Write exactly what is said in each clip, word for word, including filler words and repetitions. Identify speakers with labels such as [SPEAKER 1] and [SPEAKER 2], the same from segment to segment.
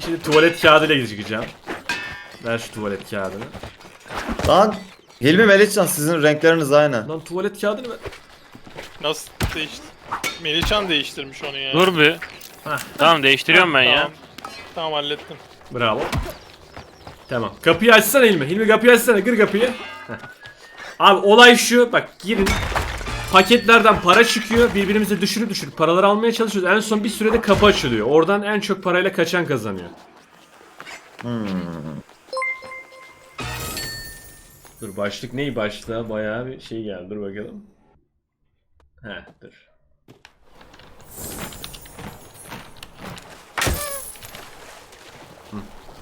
[SPEAKER 1] Şimdi tuvalet kağıdıyla çıkacağım. Ver şu tuvalet kağıdını.
[SPEAKER 2] Lan Hilmi Melihcan sizin renkleriniz aynı.
[SPEAKER 1] Lan tuvalet kağıdını ver.
[SPEAKER 3] Nasıl değişti? Melihcan değiştirmiş onu ya.
[SPEAKER 4] Dur bir.
[SPEAKER 1] Hah.
[SPEAKER 4] Tamam değiştiriyorum ben ya.
[SPEAKER 3] Tamam. Tamam hallettim.
[SPEAKER 1] Bravo. Tamam. Kapıyı açsana Hilmi. Hilmi kapıyı açsana. Kır kapıyı. Heh. Abi olay şu. Bak girin. Paketlerden para çıkıyor. Birbirimize düşürüp düşürüp paraları almaya çalışıyoruz. En son bir sürede kapı açılıyor. Oradan en çok parayla kaçan kazanıyor.
[SPEAKER 2] Hmm.
[SPEAKER 1] Dur başlık neyi başlığa? Bayağı bir şey geldi. Dur bakalım. Heh dur. Hı.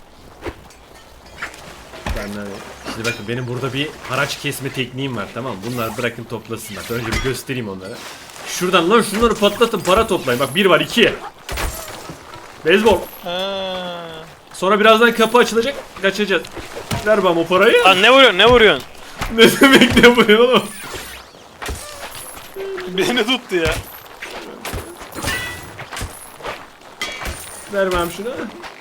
[SPEAKER 1] Benden Şimdi bakın benim burada bir haraç kesme tekniğim var, tamam mı? Bunlar bırakın toplasınlar. Önce bir göstereyim onlara. Şuradan lan şunları patlatın, para toplayın. Bak bir var, iki. Beyzbol.
[SPEAKER 3] Ha.
[SPEAKER 1] Sonra birazdan kapı açılacak. Kaçacağız. Ver bana o parayı.
[SPEAKER 4] Lan ne vuruyorsun ne vuruyorsun?
[SPEAKER 1] Ne demek ne bu ya oğlum?
[SPEAKER 3] Beni tuttu ya.
[SPEAKER 1] Ver bana şunu.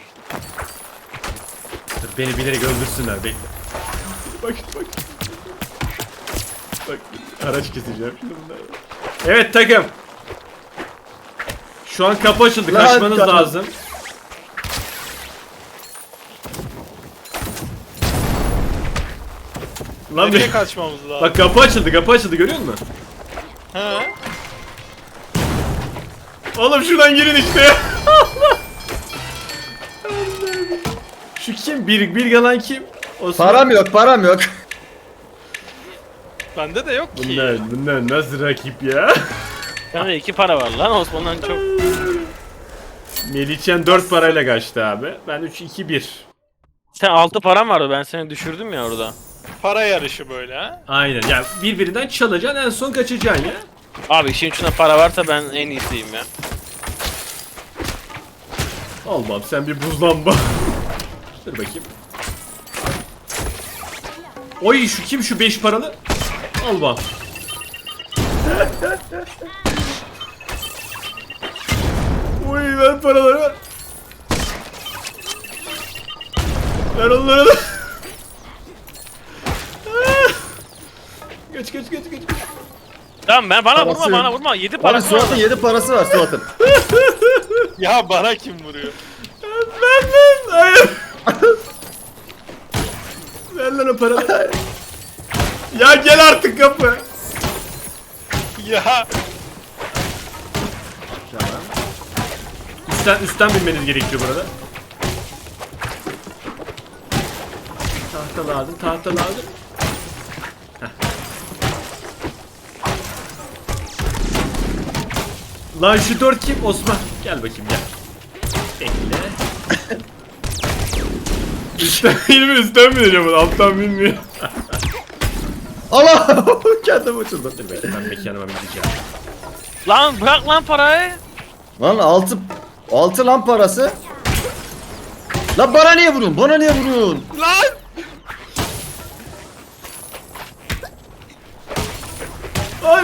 [SPEAKER 1] Dur beni bilerek öldürsünler, bekle. Bak bak. Bak araç keseceğim şimdi bunları. Evet takım. Şu an kapı açıldı.
[SPEAKER 2] Lan,
[SPEAKER 1] Kaçmanız
[SPEAKER 2] kapı.
[SPEAKER 1] lazım. Lan
[SPEAKER 3] Nereye
[SPEAKER 1] bir...
[SPEAKER 3] kaçmamız lazım?
[SPEAKER 1] Bak kapı açıldı, kapı açıldı, görüyor musun?
[SPEAKER 3] Ha?
[SPEAKER 1] Oğlum şuradan girin işte ya. Şu kim? Bir, bir yalan kim? Osman.
[SPEAKER 2] Param yok, param yok.
[SPEAKER 3] Bende de yok ki.
[SPEAKER 1] Bunlar, bunlar nasıl rakip ya?
[SPEAKER 4] Bende iki para var lan Osman'dan çok.
[SPEAKER 1] Melihcan dört parayla kaçtı abi. Ben üç iki bir.
[SPEAKER 4] Sen altı param vardı ben seni düşürdüm ya orada.
[SPEAKER 3] Para yarışı böyle ha.
[SPEAKER 1] Aynen. Ya birbirinden çalacaksın, en son kaçacaksın ya.
[SPEAKER 4] Abi işin içinde para varsa ben en iyisiyim ya.
[SPEAKER 1] Allah'ım sen bir buzlanma. Dur bakayım. Oy şu kim şu beş paralı? Al bak. Oy ver paraları ver. Ver onları da. Kaç kaç kaç kaç.
[SPEAKER 4] Tamam ben bana
[SPEAKER 2] Parası
[SPEAKER 4] vurma
[SPEAKER 2] yok.
[SPEAKER 4] bana vurma. yedi
[SPEAKER 2] Abi
[SPEAKER 4] parası var.
[SPEAKER 2] Suat'ın yedi parası var Suat'ın.
[SPEAKER 3] Ya bana kim vuruyor?
[SPEAKER 1] Ver lan. Hayır. Ver lan o paraları. Ya gel artık kapı.
[SPEAKER 3] Ya.
[SPEAKER 1] Tamam. Üstten, üstten binmeniz gerekiyor burada. Tahta lazım, tahta lazım. Heh. Lan şu dört kim? Osman. Gel bakayım gel. Bekle. Üstten değil mi? Üstten bineceğim bunu. Alttan binmiyor.
[SPEAKER 2] Allah! Kendim açıldı.
[SPEAKER 1] Dur bekle ben mekanıma gideceğim.
[SPEAKER 4] Lan bırak lan parayı.
[SPEAKER 2] Lan altı, altı lan parası. Lan bana niye vuruyorsun? Bana niye vuruyorsun?
[SPEAKER 3] Lan!
[SPEAKER 1] Ay!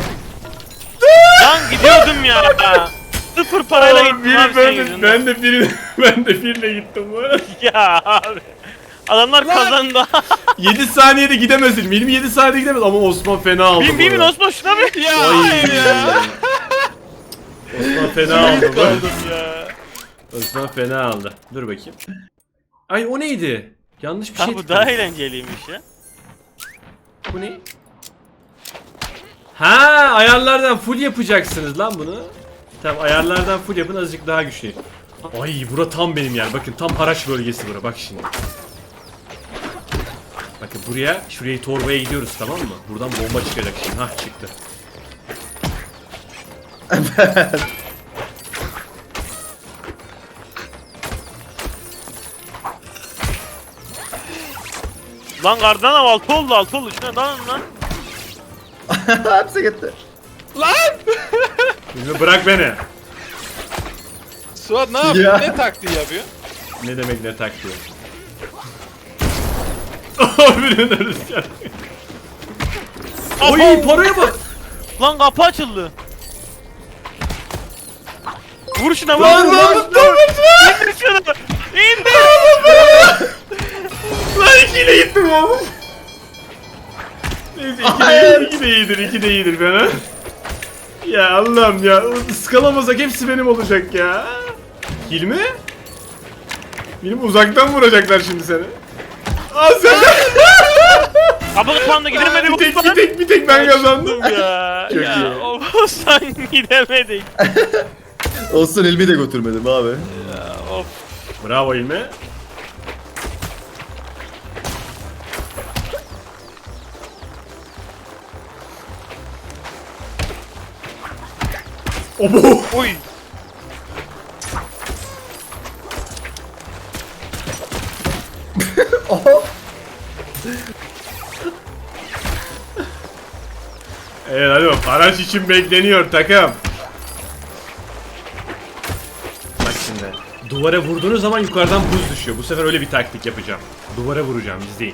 [SPEAKER 4] Lan gidiyordum ya. Sıfır parayla
[SPEAKER 1] Oğlum,
[SPEAKER 4] gittim
[SPEAKER 1] biri-
[SPEAKER 4] abi
[SPEAKER 1] ben,
[SPEAKER 4] senin
[SPEAKER 1] de,
[SPEAKER 4] yüzünden.
[SPEAKER 1] ben de birine, ben de birine gittim bu arada.
[SPEAKER 4] Ya abi. Adamlar kazandı.
[SPEAKER 1] yedi saniyede gidemezsin. Benim yedi saniyede gidemez ama Osman fena aldı.
[SPEAKER 4] bin
[SPEAKER 1] bu
[SPEAKER 4] bin bin
[SPEAKER 1] arada.
[SPEAKER 4] Osman şuna bir.
[SPEAKER 3] Ya
[SPEAKER 1] Ay.
[SPEAKER 3] hayır ya.
[SPEAKER 1] Osman fena aldı. bu.
[SPEAKER 3] Kaldım ya.
[SPEAKER 1] Osman fena aldı. Dur bakayım. Ay o neydi? Yanlış bir şey
[SPEAKER 4] Ha bu
[SPEAKER 1] tıkladım.
[SPEAKER 4] daha eğlenceliymiş ya.
[SPEAKER 1] Bu ne? Ha ayarlardan full yapacaksınız lan bunu. Tamam ayarlardan full yapın, azıcık daha güçlü. Ay bura tam benim yer. Bakın tam haraç bölgesi bura. Bak şimdi. Bakın buraya, şuraya torbaya gidiyoruz, tamam mı? Buradan bomba çıkacak şimdi. Hah çıktı.
[SPEAKER 4] Lan kardan av altı oldu altı oldu. Şuna dalın lan.
[SPEAKER 2] Hepsi gitti.
[SPEAKER 3] Lan!
[SPEAKER 1] Şimdi bırak beni.
[SPEAKER 3] Suat ne yapıyor?
[SPEAKER 2] Ya.
[SPEAKER 3] Ne taktiği yapıyor?
[SPEAKER 1] Ne demek ne tak diyor. Oh birinin ölüsü. Oy paraya bak.
[SPEAKER 4] Lan kapı açıldı. Vur şuna vur.
[SPEAKER 1] Lan
[SPEAKER 4] vur,
[SPEAKER 1] lan
[SPEAKER 4] vur,
[SPEAKER 1] dur
[SPEAKER 4] vur. İndir şunu.
[SPEAKER 1] iyidir, iki de iyidir fena. Ya Allah'ım ya, ıskalamasak hepsi benim olacak ya. Hilmi? Benim uzaktan vuracaklar şimdi seni. Aa sen
[SPEAKER 4] Abi puanla gidemedik
[SPEAKER 1] bir tek,
[SPEAKER 4] Osman.
[SPEAKER 1] bir tek, bir tek ben kazandım.
[SPEAKER 4] Ya.
[SPEAKER 1] Çok
[SPEAKER 4] ya.
[SPEAKER 1] iyi.
[SPEAKER 4] Osman gidemedik.
[SPEAKER 2] Olsun Hilmi de götürmedim abi.
[SPEAKER 4] Ya, of.
[SPEAKER 1] Bravo Hilmi. Obo!
[SPEAKER 4] Oy.
[SPEAKER 2] Oho.
[SPEAKER 1] Evet hadi bak, araç için bekleniyor takım. Bak şimdi. Duvara vurduğunuz zaman yukarıdan buz düşüyor. Bu sefer öyle bir taktik yapacağım. Duvara vuracağım, izleyin.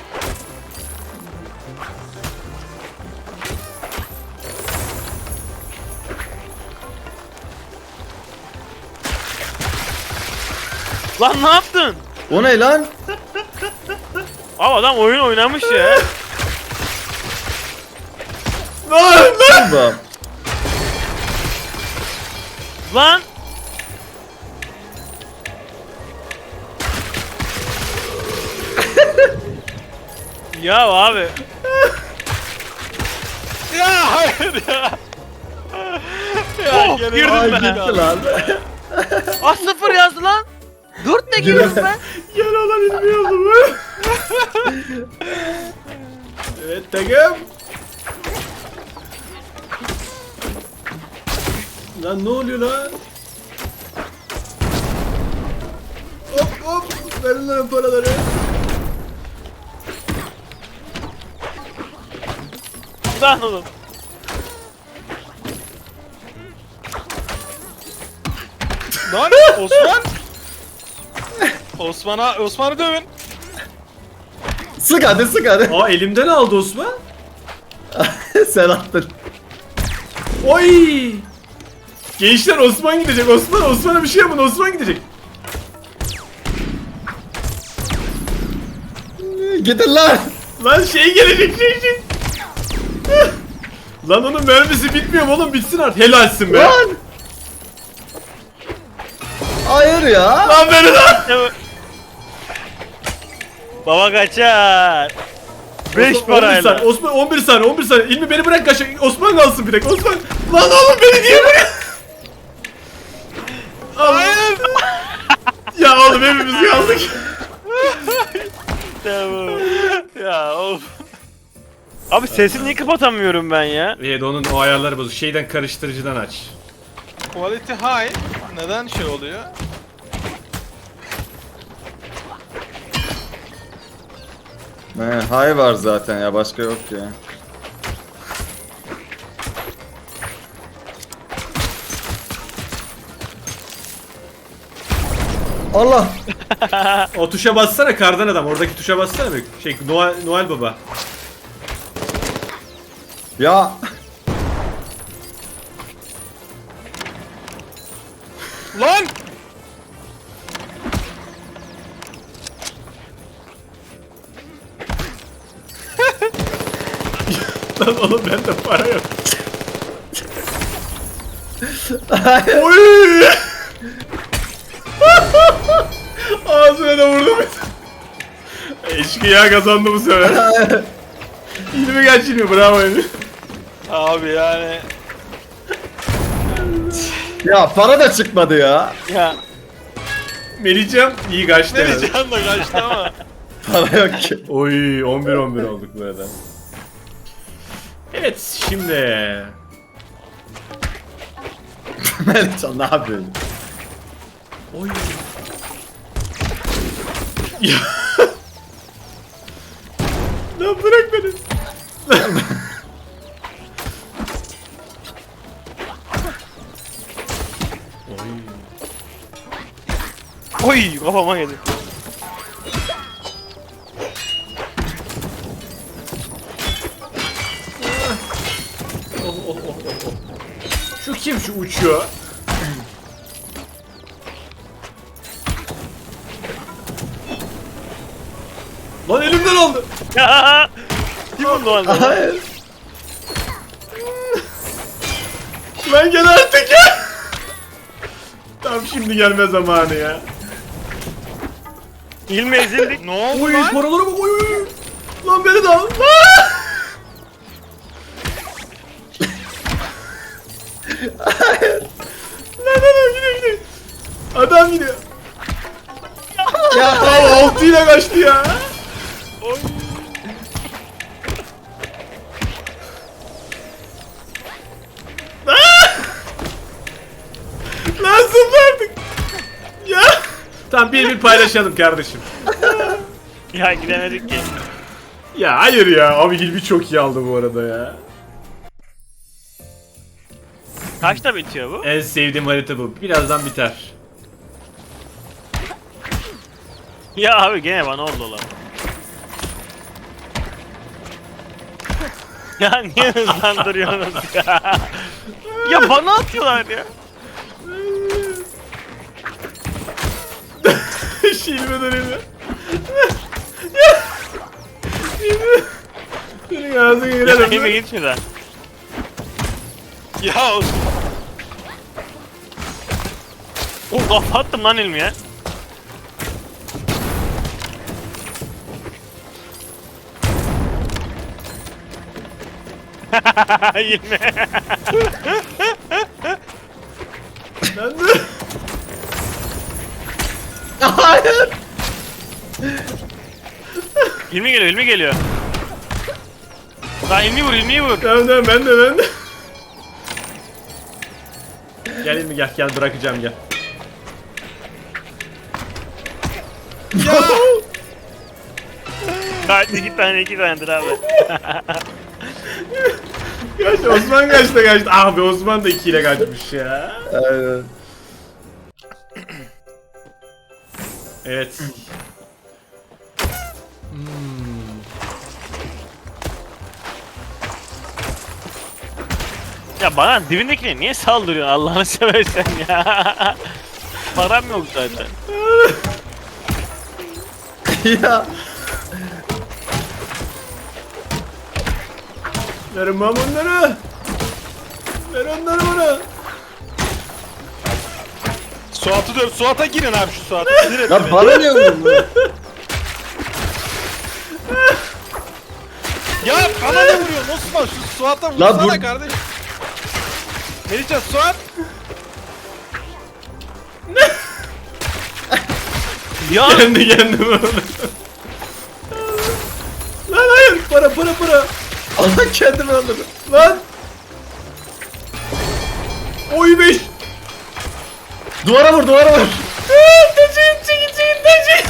[SPEAKER 4] Lan ne yaptın?
[SPEAKER 2] O ne lan?
[SPEAKER 4] Abi adam oyun oynamış ya.
[SPEAKER 1] Lan lan!
[SPEAKER 2] Bak.
[SPEAKER 4] Lan. Ya abi.
[SPEAKER 3] Ya hayır ya. Ya
[SPEAKER 4] Oh,
[SPEAKER 3] gene
[SPEAKER 4] girdim
[SPEAKER 2] Ay
[SPEAKER 4] ben.
[SPEAKER 2] gitti lan.
[SPEAKER 4] Ah sıfır yazdı lan. Dört de giriyorum ben.
[SPEAKER 1] Gel olan inmiyordu bu. Evet takım. Lan ne oluyor lan? Hop hop. Verin lan paraları.
[SPEAKER 4] Lan oğlum.
[SPEAKER 3] Lan Osman. Osman'a Osman'ı dövün.
[SPEAKER 2] Sık hadi sık hadi.
[SPEAKER 1] Aa elimden aldı Osman.
[SPEAKER 2] Sen attın.
[SPEAKER 1] Oy! Gençler Osman gidecek. Osman Osman'a bir şey yapın. Osman gidecek.
[SPEAKER 2] Gidin lan.
[SPEAKER 1] Lan şey gelecek şey şey. Lan onun mermisi bitmiyor mu oğlum, bitsin artık. Helalsin be.
[SPEAKER 2] Lan. Hayır ya.
[SPEAKER 1] Lan beni lan.
[SPEAKER 4] Baba kaçar. Beş
[SPEAKER 1] Osman, on bir
[SPEAKER 4] parayla.
[SPEAKER 1] saniye, Osman on bir saniye on bir saniye. İlmi beni bırak kaç. Osman kalsın bir dakika. Osman. Lan oğlum beni niye bırak? Hayır. Ya oğlum hepimiz kaldık.
[SPEAKER 4] Tamam. Ya of. Abi sesini niye kapatamıyorum ben ya?
[SPEAKER 1] Evet onun o ayarları bozuk. Şeyden, karıştırıcıdan aç.
[SPEAKER 3] Quality high. Neden şey oluyor?
[SPEAKER 2] He, hay var zaten ya, başka yok ya. Allah.
[SPEAKER 1] O tuşa bassana, kardan adam. Oradaki tuşa bassana bir. Şey Noel, Noel Baba.
[SPEAKER 2] Ya.
[SPEAKER 3] Lan!
[SPEAKER 1] Lan oğlum bende para yok. Oy! Ağzına da vurdum. Eşkıya kazandı bu sefer. İlmi geç ilmi, bravo ilmi.
[SPEAKER 3] Abi yani
[SPEAKER 2] Ya para da çıkmadı ya.
[SPEAKER 4] Ya.
[SPEAKER 1] Melihcan iyi kaçtı.
[SPEAKER 3] ne
[SPEAKER 1] herhalde.
[SPEAKER 3] diyeceğim de kaçtı ama.
[SPEAKER 2] Para yok ki.
[SPEAKER 1] Oy on bir on bir olduk burada. Evet şimdi.
[SPEAKER 2] Melihcan ne yapıyorsun?
[SPEAKER 1] Oy. Ya. Lan bırak beni.
[SPEAKER 4] Oy kafama geldi.
[SPEAKER 1] Oh, oh, oh, oh, oh. Şu kim şu uçuyor? Lan elimden aldı.
[SPEAKER 4] Ya. Kim bu Noel Baba?
[SPEAKER 2] Hayır.
[SPEAKER 1] Osman gel artık ya. Tam şimdi gelme zamanı ya.
[SPEAKER 4] İlmi ezildik.
[SPEAKER 3] Ne oldu
[SPEAKER 1] Oy
[SPEAKER 3] lan?
[SPEAKER 1] paralara bak oy oy. Lan beni de al. Lan. Lan lan gidiyor gidiyor. Adam gidiyor.
[SPEAKER 2] Ya
[SPEAKER 1] Aa, altıyla kaçtı ya.
[SPEAKER 4] Oy.
[SPEAKER 1] Lan zıpla artık. Ya. Tamam bir bir paylaşalım kardeşim.
[SPEAKER 4] Ya gidemedik ki.
[SPEAKER 1] Ya hayır ya. Abi Hilmi çok iyi aldı bu arada ya.
[SPEAKER 4] Kaçta bitiyor bu?
[SPEAKER 1] En sevdiğim harita bu. Birazdan biter.
[SPEAKER 4] Ya abi gene bana oldu lan. Ya niye hızlandırıyorsunuz ya? Ya bana atıyorlar ya.
[SPEAKER 1] Hilmi dönemi. Ya. Hilmi. Senin ağzını
[SPEAKER 4] Ya
[SPEAKER 1] girelim.
[SPEAKER 4] Hilmi git şuradan.
[SPEAKER 3] Ya Osman.
[SPEAKER 4] O kafa attım lan Hilmi'ye. Hilmi.
[SPEAKER 1] Ben de.
[SPEAKER 2] hayır.
[SPEAKER 4] Hilmi geliyor, Hilmi geliyor. Lan Hilmi vur, Hilmi'yi vur.
[SPEAKER 1] Tamam tamam ben de ben de. Gel Hilmi gel gel bırakacağım gel.
[SPEAKER 4] Kaç iki tane iki tanedir abi.
[SPEAKER 1] Kaç Osman kaçta kaçtı. Abi Osman da iki ile kaçmış ya.
[SPEAKER 2] Aynen.
[SPEAKER 1] Evet. Hmm.
[SPEAKER 4] Ya bana dibindekine niye saldırıyorsun Allah'ını seversen ya. Param yok zaten.
[SPEAKER 2] Ya.
[SPEAKER 1] Verin bana onları. Ver onları bana.
[SPEAKER 3] Suat'ı döv. Suat'a girin abi şu Suat'a. Sinir etti
[SPEAKER 2] Lan
[SPEAKER 3] beni.
[SPEAKER 2] bana niye vuruyorsun?
[SPEAKER 3] Ya bana ne vuruyorsun Osman? Şu Suat'a
[SPEAKER 2] Lan
[SPEAKER 3] vursana
[SPEAKER 2] dur.
[SPEAKER 3] kardeş. Melihcan Suat.
[SPEAKER 4] Ya
[SPEAKER 1] Kendi kendime onu. Lan hayır para para para.
[SPEAKER 2] Allah kendimi öldürdüm.
[SPEAKER 1] Lan. Oy beş.
[SPEAKER 2] Duvara vur duvara vur.
[SPEAKER 1] Taşıyın çekil çekil taşıyın.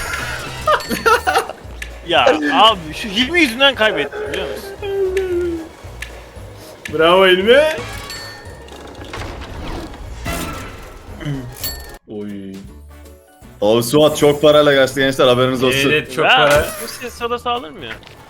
[SPEAKER 4] ya abi şu Hilmi yüzünden kaybettim biliyor musun?
[SPEAKER 1] Bravo Hilmi. Oy.
[SPEAKER 2] Abi Suat çok parayla kaçtı gençler haberiniz olsun.
[SPEAKER 1] Evet çok
[SPEAKER 4] ya,
[SPEAKER 1] para.
[SPEAKER 4] bu ses sodası alır mı ya?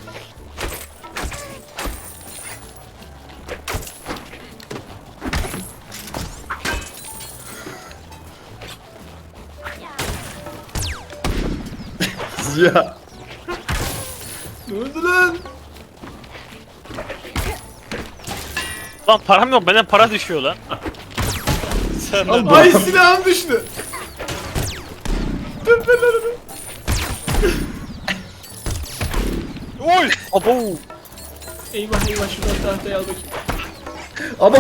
[SPEAKER 2] Ya.
[SPEAKER 1] Ne oldu lan?
[SPEAKER 4] Lan param yok benden para düşüyor lan.
[SPEAKER 3] Sen
[SPEAKER 2] Al
[SPEAKER 3] de.
[SPEAKER 2] bu-
[SPEAKER 1] Ay silahım düştü. Dur ben onu.
[SPEAKER 3] Oy.
[SPEAKER 4] Abo.
[SPEAKER 1] Eyvah eyvah şuradan tahtayı al bakayım.
[SPEAKER 2] Ama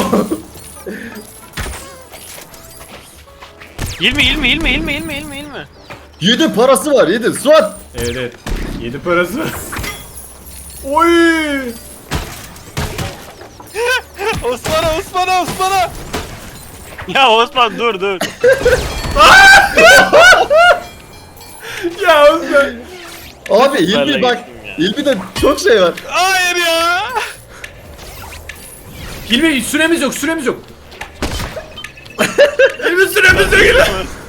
[SPEAKER 4] Hilmi Hilmi Hilmi Hilmi Hilmi Hilmi Hilmi.
[SPEAKER 2] yedi parası var yedi. Suat.
[SPEAKER 1] Evet evet. Yedi parası var. Oy.
[SPEAKER 3] Osman'a Osman'a Osman'a.
[SPEAKER 4] Ya Osman dur dur.
[SPEAKER 1] Ya Osman.
[SPEAKER 2] Abi
[SPEAKER 4] Süperle
[SPEAKER 2] İlmi bak.
[SPEAKER 4] geçtim ya.
[SPEAKER 2] İlmi'de çok şey var.
[SPEAKER 3] Hayır ya.
[SPEAKER 1] Hilmi süremiz yok süremiz yok. Hilmi süremiz yok Hilmi.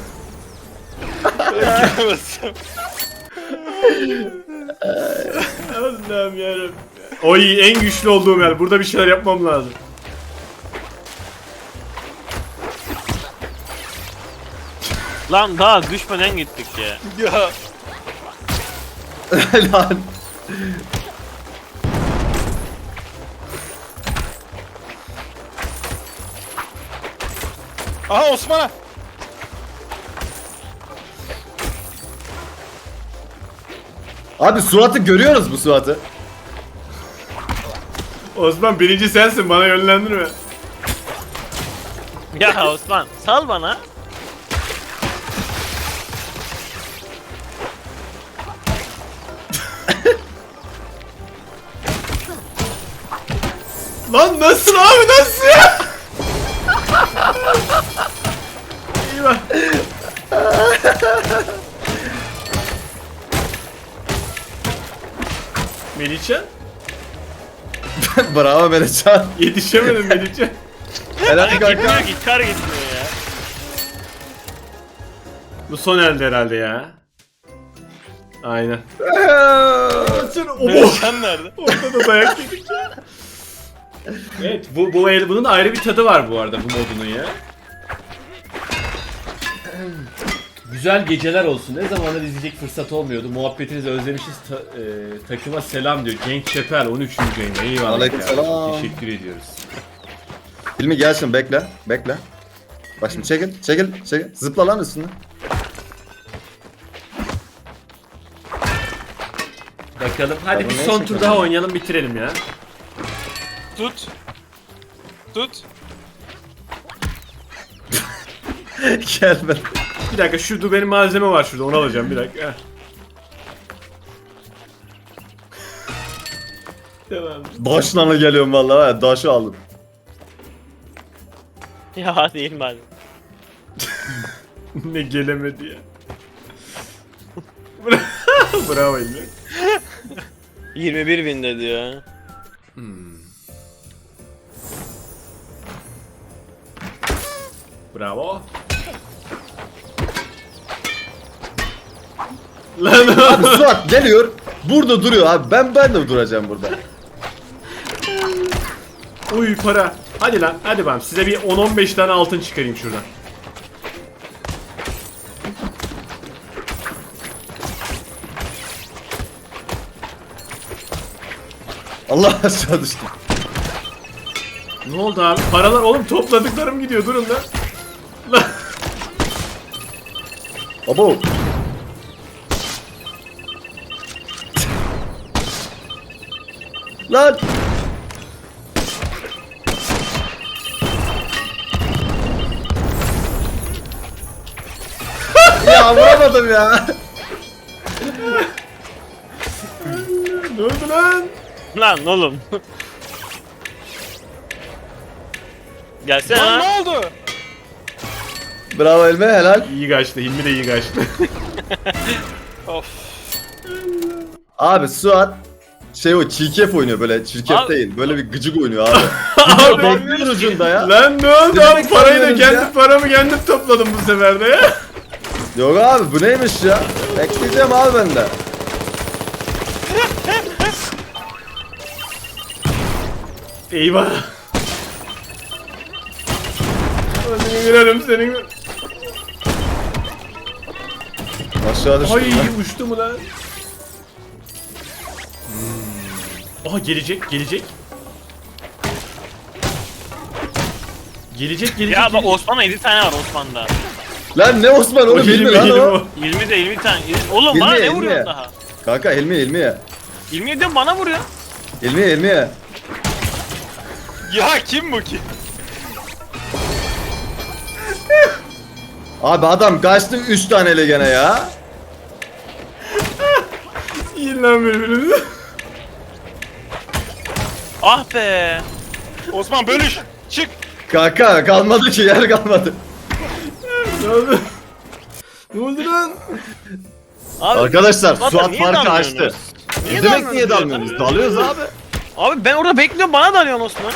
[SPEAKER 1] Allah'ım yarabbim. Oy en güçlü olduğum yer. Burada bir şeyler yapmam lazım.
[SPEAKER 4] Lan daha düşmeden gittik ya.
[SPEAKER 3] Ya.
[SPEAKER 2] Lan.
[SPEAKER 3] Aha Osman'a.
[SPEAKER 2] Abi Suat'ı görüyoruz bu Suat'ı.
[SPEAKER 1] Osman birinci sensin, bana yönlendirme.
[SPEAKER 4] Ya Osman sal bana.
[SPEAKER 1] Lan nasıl abi, nasıl ya? Eyvah. Melihcan?
[SPEAKER 2] Bravo Melihcan.
[SPEAKER 1] Yetişemedim Melihcan.
[SPEAKER 2] Helal kanka.
[SPEAKER 4] Gitmiyor ki kar gitmiyor ya.
[SPEAKER 1] Bu son elde herhalde ya. Aynen. Oh!
[SPEAKER 3] Melihcan nerede?
[SPEAKER 1] Ortada dayak yedik ya. Evet, bu bu el bunun ayrı bir tadı var bu arada, bu modunun ya. Güzel geceler olsun. Ne zamandır izleyecek fırsat olmuyordu. Muhabbetinizi özlemişiz. Ta- e, takıma selam diyor. Cenk Çepel on üçüncü yayında. Eyvallah.
[SPEAKER 2] Aleykümselam.
[SPEAKER 1] Teşekkür ediyoruz.
[SPEAKER 2] Hilmi gel şimdi bekle. Bekle. Bak şimdi çekil. Çekil. Çekil. Zıpla lan üstüne.
[SPEAKER 1] Bakalım. Hadi
[SPEAKER 2] Tamam,
[SPEAKER 1] bir
[SPEAKER 2] neyse
[SPEAKER 1] son tur
[SPEAKER 2] kanka.
[SPEAKER 1] daha oynayalım, bitirelim ya.
[SPEAKER 3] Tut. Tut.
[SPEAKER 2] Gel ben.
[SPEAKER 1] Bir dakika, şurada benim malzeme var şurada. Onu alacağım bir dakika. Heh. Tamam.
[SPEAKER 2] Daşla geliyorum vallahi. var ya, Daşı aldım.
[SPEAKER 4] Ya değil mi abi?
[SPEAKER 1] Ne gelemedi ya. Bra- Bravo İlmi.
[SPEAKER 4] yirmi bir bin dedi ya.
[SPEAKER 1] Bravo. Lan
[SPEAKER 2] Abi Suat geliyor. Burada duruyor abi. Ben ben de duracağım burada.
[SPEAKER 1] uy para. Hadi lan, hadi ben size bir on on beş tane altın çıkarayım şuradan.
[SPEAKER 2] Allah aşağı düştüm.
[SPEAKER 1] Ne oldu abi? Paralar oğlum, topladıklarım gidiyor, durun lan. Lan.
[SPEAKER 2] Abo. Lan. Ya vuramadım ya.
[SPEAKER 1] Ne oldu lan?
[SPEAKER 4] Lan oğlum. Gelsene
[SPEAKER 3] Lan
[SPEAKER 4] lan.
[SPEAKER 3] ne oldu?
[SPEAKER 2] Bravo Elme helal.
[SPEAKER 1] İyi kaçtı, Hilmi de iyi kaçtı.
[SPEAKER 3] Of.
[SPEAKER 2] Abi Suat şey o çirkef oynuyor böyle çirkef
[SPEAKER 4] Abi-
[SPEAKER 2] değil böyle bir gıcık oynuyor abi.
[SPEAKER 1] Abi,
[SPEAKER 2] Bekliyor ucunda ya.
[SPEAKER 1] lan ne oldu
[SPEAKER 2] Ne
[SPEAKER 1] abi?
[SPEAKER 2] demek
[SPEAKER 1] Parayı da
[SPEAKER 2] sanıyorsunuz
[SPEAKER 1] kendi
[SPEAKER 2] ya?
[SPEAKER 1] paramı kendim topladım bu sefer de ya.
[SPEAKER 2] Yok abi bu neymiş ya? Bekleyeceğim abi ben de.
[SPEAKER 1] Eyvah. Senin girelim senin.
[SPEAKER 2] Aşağı düştüm
[SPEAKER 1] Ay
[SPEAKER 2] ben.
[SPEAKER 1] uçtu mu lan? Aha gelecek, gelecek. Gelecek, gelecek.
[SPEAKER 4] Ya bak
[SPEAKER 1] gelecek.
[SPEAKER 4] Osman'da yedi tane var Osman'da.
[SPEAKER 2] Lan ne Osman
[SPEAKER 1] O
[SPEAKER 2] oğlum
[SPEAKER 1] Hilmi,
[SPEAKER 2] bilmi lan
[SPEAKER 1] Hilmi
[SPEAKER 2] o.
[SPEAKER 1] o.
[SPEAKER 4] yirmi de yirmi tane. Oğlum
[SPEAKER 2] Hilmi,
[SPEAKER 4] bana ne
[SPEAKER 2] Hilmi.
[SPEAKER 4] vuruyorsun daha?
[SPEAKER 2] Kanka Hilmi Hilmi ya.
[SPEAKER 4] yirmi yedi bana vuruyor.
[SPEAKER 2] Hilmi Hilmi ya.
[SPEAKER 3] Ya kim bu ki?
[SPEAKER 2] Abi adam kaçtı üç taneyle gene ya.
[SPEAKER 1] Yiyin lan birbirinizi.
[SPEAKER 4] Ah be.
[SPEAKER 3] Osman bölüş. Çık.
[SPEAKER 2] Kanka kalmadı ki yer kalmadı.
[SPEAKER 1] Ne oldu? Ne oldu lan?
[SPEAKER 4] Abi,
[SPEAKER 2] Arkadaşlar
[SPEAKER 4] Suat'a
[SPEAKER 2] Suat
[SPEAKER 4] niye
[SPEAKER 2] farkı
[SPEAKER 4] dalmıyorsunuz?
[SPEAKER 2] açtı.
[SPEAKER 4] Niye
[SPEAKER 2] Ne demek niye
[SPEAKER 4] dalmıyorsunuz?
[SPEAKER 2] dalmıyoruz? Dalıyoruz abi.
[SPEAKER 4] Abi ben orada bekliyorum bana dalıyorsun Osman.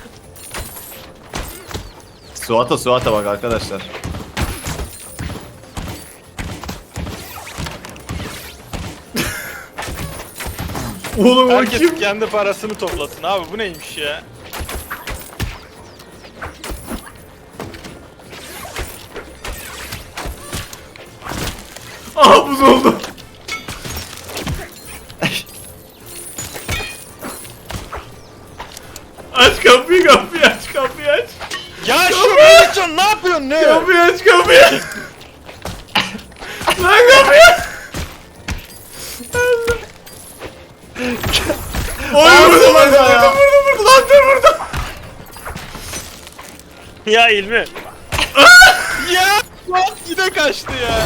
[SPEAKER 2] Suat'a Suat'a bak arkadaşlar.
[SPEAKER 1] Oğlum o
[SPEAKER 3] Herkes
[SPEAKER 1] kim?
[SPEAKER 3] kendi parasını toplasın abi, bu neymiş ya?
[SPEAKER 1] Aha buz oldu. Aç kapıyı, kapıyı aç, kapıyı aç.
[SPEAKER 3] Ya şu Melihcan ne yapıyorsun ne?
[SPEAKER 1] kapıyı. Lan kapıyı. Oy vurdu lan ya. Vurdu vurdu lan dur vurdu.
[SPEAKER 4] Ya İlmi.
[SPEAKER 3] Ya lan yine kaçtı ya.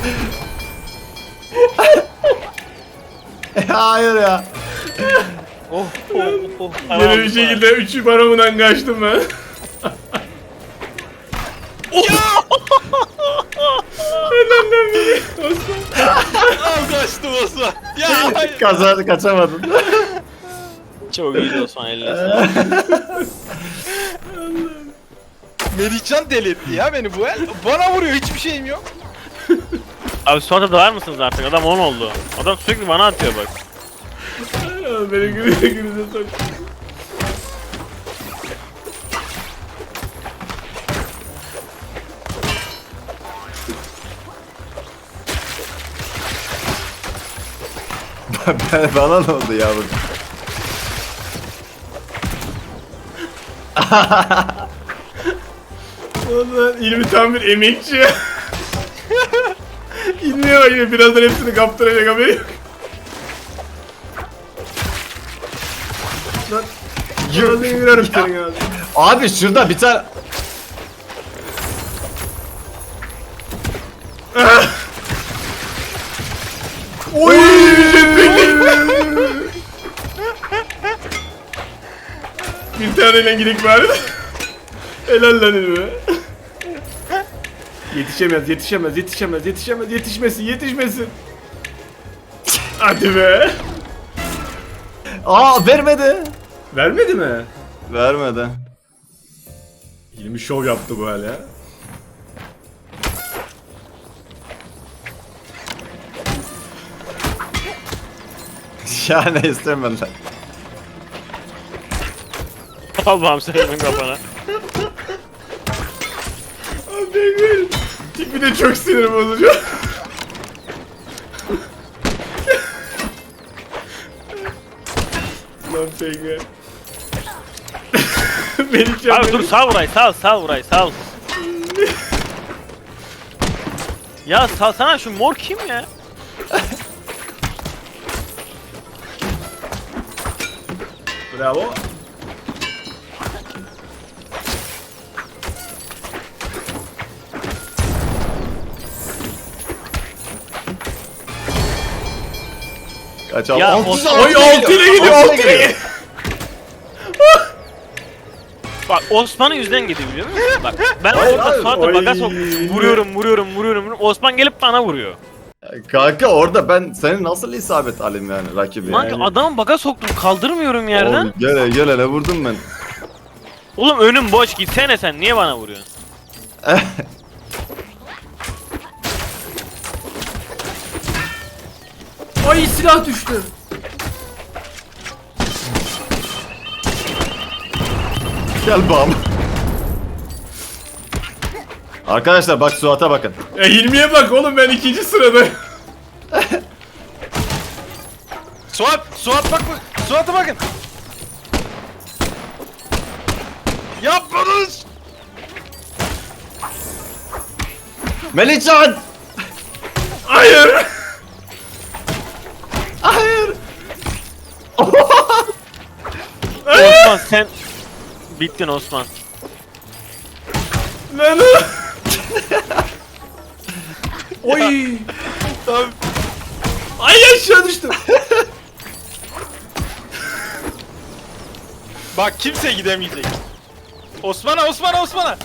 [SPEAKER 2] Hayır ya.
[SPEAKER 4] Oh oh oh.
[SPEAKER 1] Yine bir şekilde üçü paramından kaçtım ben. Helal lan beni. Osman.
[SPEAKER 3] Al kaçtım Osman. Ya hayır.
[SPEAKER 2] Kazandı, kaçamadın.
[SPEAKER 4] Çok iyiydi Osman, eline sağlık.
[SPEAKER 3] Melihcan delirtti ya beni bu el. Bana vuruyor, hiçbir şeyim yok.
[SPEAKER 4] Abi Suat'a da var mısınız artık? Adam on oldu. Adam sürekli bana atıyor bak.
[SPEAKER 1] Beni gülüze gülüze sok.
[SPEAKER 2] Ben- Bana ne oldu yavrum?
[SPEAKER 1] Ulan İlmi tam bir emekçi. İlmiye bak yine birazdan hepsini kaptıracak haberi yok. Lan yürüdüğünü yürüyorum senin ağzına.
[SPEAKER 2] Abi şurada bir tane...
[SPEAKER 1] Oy! Bir taneyle gidik bari. Helal lan İlmi. Yetişemez, yetişemez, yetişemez, yetişemez, yetişmesin, yetişmesin. Hadi be.
[SPEAKER 2] Aa vermedi.
[SPEAKER 1] Vermedi mi?
[SPEAKER 2] Vermedi.
[SPEAKER 1] İlmi şov yaptı bu hala.
[SPEAKER 2] Ya ne istemediler.
[SPEAKER 4] Allah'ım senin kafana.
[SPEAKER 1] Abi benim tipi de çok sinir bozucu. Lan peki. Beni
[SPEAKER 4] Abi dur, sal burayı, sal sal burayı, sal. Ya salsana, şu mor kim ya?
[SPEAKER 1] Bravo.
[SPEAKER 2] Kaçalım.
[SPEAKER 4] Ya,
[SPEAKER 2] Altı-
[SPEAKER 4] Osman-
[SPEAKER 1] Oy altı ile gidiyor,
[SPEAKER 2] Altı
[SPEAKER 1] altı ile gidiyor.
[SPEAKER 4] Bak Osman'ın yüzden gidiyor biliyor musun? Bak ben
[SPEAKER 2] Hayır,
[SPEAKER 4] orada
[SPEAKER 2] hayır.
[SPEAKER 4] Suat'a
[SPEAKER 1] Oy.
[SPEAKER 4] baga sok, vuruyorum vuruyorum vuruyorum. Osman gelip bana vuruyor.
[SPEAKER 2] Kanka orada ben senin nasıl isabet alayım yani rakibi?
[SPEAKER 4] Lan
[SPEAKER 2] Yani.
[SPEAKER 4] adamı baga soktum, kaldırmıyorum yerden.
[SPEAKER 2] Oğlum, gele gele ne vurdum ben?
[SPEAKER 4] Oğlum önüm boş, gitsene sen, niye bana vuruyorsun?
[SPEAKER 1] Ay silah düştü.
[SPEAKER 2] Gel bam. Arkadaşlar bak Suat'a bakın.
[SPEAKER 1] E Hilmi'ye bak oğlum, ben ikinci sırada.
[SPEAKER 3] Suat, Suat bak bak. Suat'a bakın. Yapmadınız.
[SPEAKER 2] Melihcan!
[SPEAKER 1] Hayır.
[SPEAKER 2] Hayır!
[SPEAKER 4] Osman sen bittin Osman.
[SPEAKER 1] Lan o. Oy.
[SPEAKER 3] Tamam.
[SPEAKER 1] Ay aşağı düştüm.
[SPEAKER 3] Bak kimse gidemeyecek. Osman'a, Osman'a, Osman'a.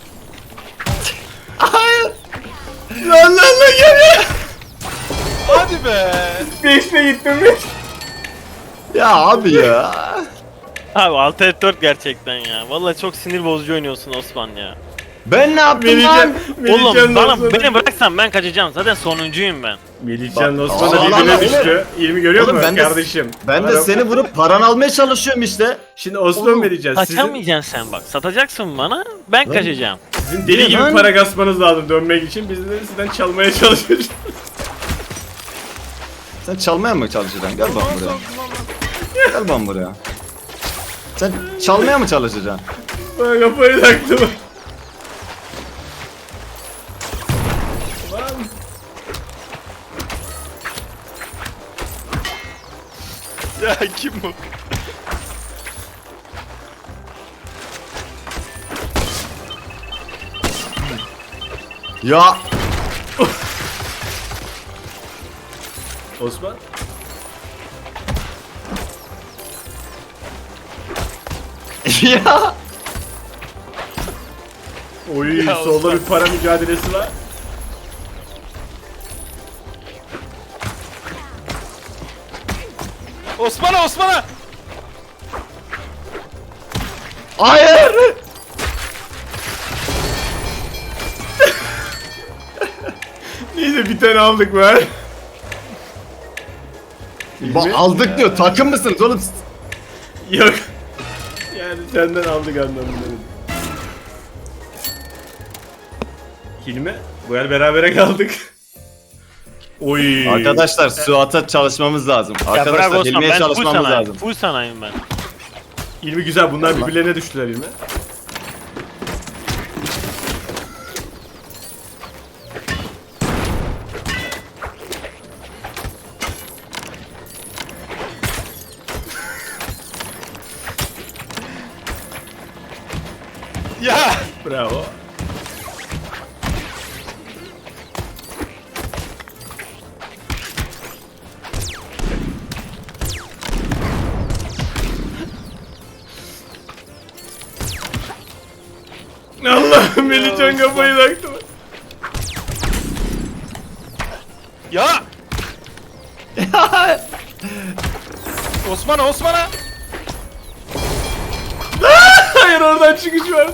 [SPEAKER 2] Hayır!
[SPEAKER 1] Lan lan lan gel.
[SPEAKER 3] Hadi be.
[SPEAKER 1] Beşle gittim beş.
[SPEAKER 2] Ya abi ya.
[SPEAKER 4] Abi altı dört gerçekten ya. Vallahi çok sinir bozucu oynuyorsun Osman ya.
[SPEAKER 2] Ben ne yaptım
[SPEAKER 1] Melihcan,
[SPEAKER 2] lan?
[SPEAKER 4] Oğlum bana
[SPEAKER 1] Osman'a-
[SPEAKER 4] beni bıraksan ben kaçacağım. Zaten sonuncuyum ben.
[SPEAKER 1] Melihcan
[SPEAKER 2] Bak-
[SPEAKER 1] Osman'a
[SPEAKER 2] Allah
[SPEAKER 1] birbirine
[SPEAKER 2] Allah,
[SPEAKER 1] düştü. İlmi görüyor
[SPEAKER 2] Oğlum
[SPEAKER 1] musun
[SPEAKER 2] ben de-
[SPEAKER 1] kardeşim?
[SPEAKER 2] Ben de
[SPEAKER 1] Ara-
[SPEAKER 2] seni vurup paran almaya çalışıyorum işte.
[SPEAKER 1] Şimdi Osman vereceğiz. Sizin,
[SPEAKER 4] Kaçamayacaksın sen bak. Satacaksın bana. Ben
[SPEAKER 2] Lan-
[SPEAKER 4] kaçacağım.
[SPEAKER 1] sizin deli gibi
[SPEAKER 2] Lan-
[SPEAKER 1] para kasmanız lazım dönmek için. Biz de sizden çalmaya çalışıyoruz.
[SPEAKER 2] Sen çalmaya mı çalışacaksın? Gel bak buraya. Gel bak buraya. Sen çalmaya mı çalışacaksın?
[SPEAKER 1] Ben kafayı taktım.
[SPEAKER 3] Ya kim bu?
[SPEAKER 2] Ya
[SPEAKER 1] Osman.
[SPEAKER 2] ya.
[SPEAKER 1] Oy
[SPEAKER 3] Ya
[SPEAKER 1] solda
[SPEAKER 3] Osman.
[SPEAKER 1] bir para mücadelesi var.
[SPEAKER 3] Osman'a Osman'a!
[SPEAKER 2] Hayır.
[SPEAKER 1] Neyse bir tane aldık be.
[SPEAKER 2] Ba- aldık diyor. Takım mısınız oğlum?
[SPEAKER 1] Yok. Yani senden aldık anlamında. Hilmi, bu el berabere kaldık. Oy.
[SPEAKER 2] Arkadaşlar Suat'a çalışmamız lazım.
[SPEAKER 4] Ya bırak
[SPEAKER 2] Arkadaşlar
[SPEAKER 4] Osman
[SPEAKER 2] Hilmi'ye
[SPEAKER 4] ben full
[SPEAKER 2] çalışmamız
[SPEAKER 4] sanayim.
[SPEAKER 2] lazım.
[SPEAKER 4] Full sanayim ben.
[SPEAKER 1] Hilmi güzel, bunlar
[SPEAKER 2] Allah.
[SPEAKER 1] birbirlerine düştüler Hilmi.
[SPEAKER 3] Ya!
[SPEAKER 1] Bravo. Allah'ım Melihcan kafayı taktı.
[SPEAKER 3] Ya! Osman'a Osman'a!
[SPEAKER 1] Hayır, oradan çıkış vardı.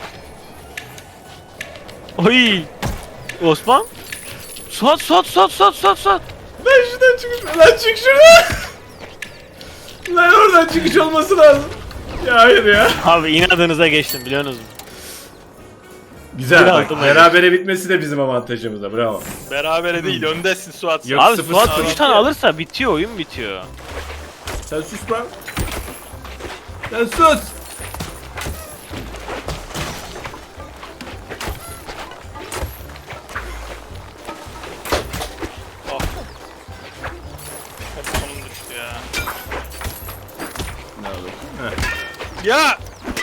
[SPEAKER 4] Oy. Osman. Suat Suat Suat Suat Suat Suat.
[SPEAKER 1] Lan şuradan çıkış var. Lan çık şuradan. Lan oradan çıkış olması lazım. Ya hayır ya.
[SPEAKER 4] Abi inadınıza geçtim biliyorsunuz mu?
[SPEAKER 1] Güzel
[SPEAKER 4] Bir
[SPEAKER 1] bak,
[SPEAKER 4] aldım,
[SPEAKER 1] berabere bitmesi de bizim avantajımıza, bravo.
[SPEAKER 3] Berabere değil öndesin Suat.
[SPEAKER 1] Yok.
[SPEAKER 4] Abi
[SPEAKER 1] sıfır
[SPEAKER 4] Suat
[SPEAKER 1] sıfır.
[SPEAKER 4] üç tane alırsa bitiyor oyun bitiyor.
[SPEAKER 1] Sen sus lan. Sen sus.
[SPEAKER 3] Hep sonum düştü ya.
[SPEAKER 1] Ne olur. Heh.
[SPEAKER 3] Ya!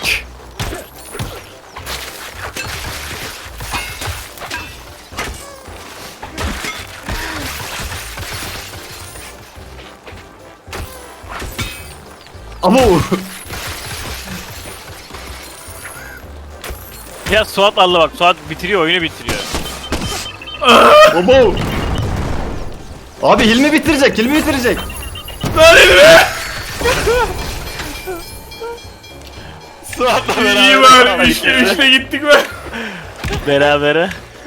[SPEAKER 2] Ama
[SPEAKER 4] Ya Suat Allah bak Suat bitiriyor oyunu bitiriyor.
[SPEAKER 2] Bobo. Abi Hilmi bitirecek. Hilmi bitirecek.
[SPEAKER 1] Lan Hilmi.
[SPEAKER 3] Suat'la beraber.
[SPEAKER 1] İyi var. Üçte üçte gittik be.
[SPEAKER 4] Berabere.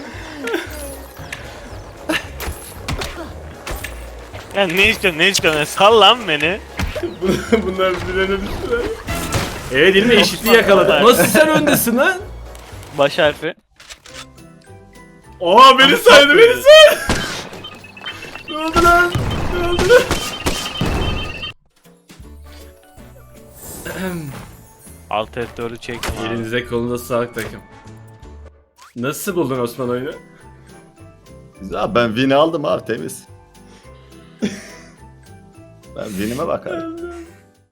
[SPEAKER 4] Ya ne istiyorsun ne istiyorsun sal lan beni.
[SPEAKER 1] Bunlar birbirlerine düştüler. Evet Hilmi eşitliği yakaladı. Nasıl sen öndesin lan?
[SPEAKER 4] Baş harfi.
[SPEAKER 1] Aa beni saydı, beni saydı. Ne oldu lan? Ne oldu lan?
[SPEAKER 4] Alt F dördü çektim abi.
[SPEAKER 1] Elinize kolunuza sağlık takım. Nasıl buldun Osman oyunu?
[SPEAKER 2] Güzel, ben win'i aldım abi, temiz. Ben win'ime bakarım.